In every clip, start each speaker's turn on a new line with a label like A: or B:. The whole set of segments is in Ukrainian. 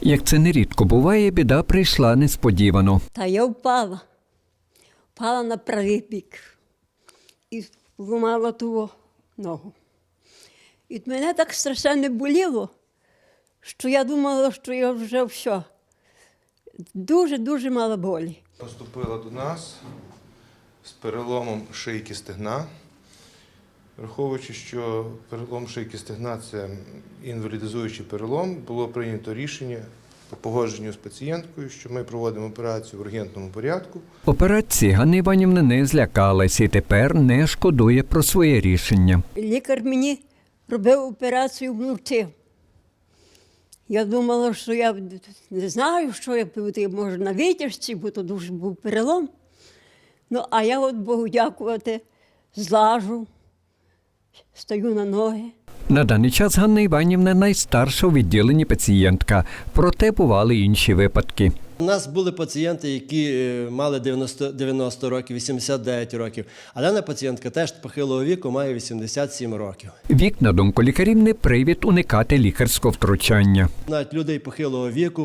A: Як це нерідко буває, біда прийшла несподівано.
B: Та я впала. Впала на правий бік. І зламала ту ногу. І мене так страшенно боліло, що я думала, що я вже все. Дуже-дуже мала болі.
C: Поступила до нас з переломом шийки стегна. Враховуючи, що перелом шийки стегна – це інвалідизуючий перелом, було прийнято рішення по погодженню з пацієнткою, що ми проводимо операцію в ургентному порядку.
A: Операції Ганна Іванівна не злякалась і тепер не шкодує про своє рішення.
B: Лікар мені робив операцію вночі. Я думала, що я не знаю, що я пити, може на витяжці, бо то дуже був перелом. Ну, а я от Богу дякувати, злажу, стою на ноги.
A: На даний час Ганна Іванівна найстарша у відділенні пацієнтка, проте бували інші випадки.
D: У нас були пацієнти, які мали 90 років, 89 років, а дана пацієнтка теж похилого віку має 87 років.
A: Вік, на думку лікарів, не привід уникати лікарського втручання.
D: Навіть людей похилого віку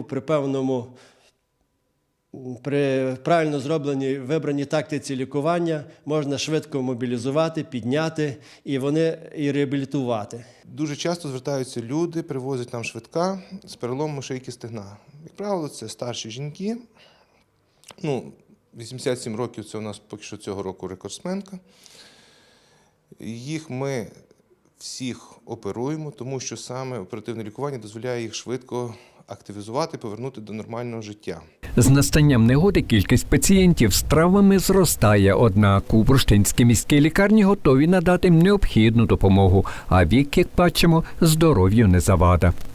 D: при правильно зробленій вибраній тактиці лікування можна швидко мобілізувати, підняти і реабілітувати.
C: Дуже часто звертаються люди, привозять нам швидка з переломом шийки стегна. Як правило, це старші жінки. 87 років – це у нас поки що цього року рекордсменка. Їх ми всіх оперуємо, тому що саме оперативне лікування дозволяє їх швидко активізувати, повернути до нормального життя.
A: З настанням негоди кількість пацієнтів з травмами зростає, однак у Бурштинській міській лікарні готові надати необхідну допомогу, а вік, як бачимо, здоров'ю не завада.